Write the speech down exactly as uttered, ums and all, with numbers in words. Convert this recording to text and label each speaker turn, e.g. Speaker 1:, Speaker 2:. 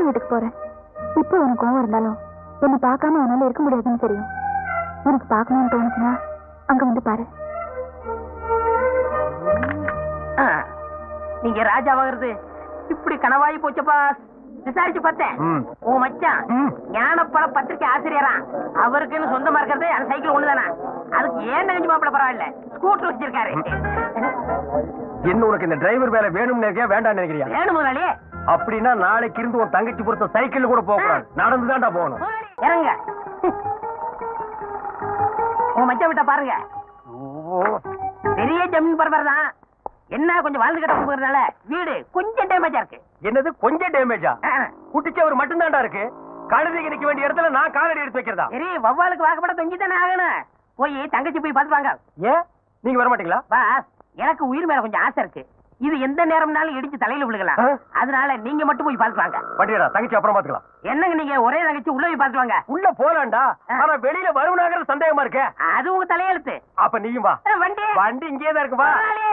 Speaker 1: வீட்டுக்கு போறேன். இப்போ உனக்கு கோவம் இருந்தாலும் என்ன பார்க்காம உன்னால இருக்க முடியாதுன்னு தெரியும். உனக்கு பார்க்கணும்னு தோணுச்சுன்னா அங்க வந்து பாரு.
Speaker 2: நீங்க ராஜாவாகிறது இப்படி கனவாயி போச்சப்பா. விசாரிச்சு பார்த்தேன். உன் மச்சான் ஞானப்பழ பத்திரிகை ஆசிரியரா, அவருக்குன்னு சொந்தமா இருக்கிறது அந்த சைக்கிள் ஒண்ணுதானா? அதுக்கு ஏன் நெஞ்சு மாப்பிள பரவாயில்ல, ஸ்கூட்டர் வச்சிருக்காரு.
Speaker 3: என்ன உனக்கு இந்த டிரைவர் வேலை வேணும்னு நினைக்கியா வேண்டாம்னு நினைக்கிறியா?
Speaker 2: வேணும் முதலாளி.
Speaker 3: அப்படின்னா நாளைக்கு இருந்து உன் தங்கச்சி பொறுத்த சைக்கிள் கூட போகக்கூடாது, நடந்துதான்டா போகணும்.
Speaker 2: இறங்க. உன் மச்சான் விட்டா பாருங்க, பெரிய ஜமீன் பரபர் தான். என்ன கொஞ்சம் வாழ்ந்து கட்ட போகிறதுனால வீடு கொஞ்சம் டேமேஜா இருக்கு.
Speaker 3: என்னது கொஞ்சம் டேமேஜா? குட்டிச்சவர் மட்டும் தான்டா இருக்கு. கழுதைக்கு நிக்க வேண்டிய இடத்துல நான் காலடி எடுத்து வைக்கிறதா?
Speaker 2: சரி, வவ்வாலுக்கு வாக்கப்பட தொங்கி தானே ஆகணும். போய் தங்கச்சி போய் பார்த்து வாங்க.
Speaker 3: ஏன் நீங்க வர மாட்டீங்களா?
Speaker 2: வா, எனக்கு உயிர் மேல கொஞ்சம் ஆசை இருக்கு. இது எந்த நேரம்னாலும் இடிச்சு தலையில விழுகலாம். அதனால நீங்க மட்டும் போய் பார்த்து வாங்க.
Speaker 3: பட்டியடா, தங்கச்சி அப்புறம் பாத்துக்கலாம்.
Speaker 2: என்னங்க நீங்க ஒரே தங்கச்சி உள்ள போய் பார்த்து வாங்க.
Speaker 3: உள்ள போலாம்டா, ஆனா வெளியில வருவனாங்கிற சந்தேகமா இருக்க.
Speaker 2: அது உங்க தலையெழுத்து.
Speaker 3: அப்ப நீயும் வா.
Speaker 2: வண்டி
Speaker 3: வண்டி இங்கேதான் இருக்கு, வா.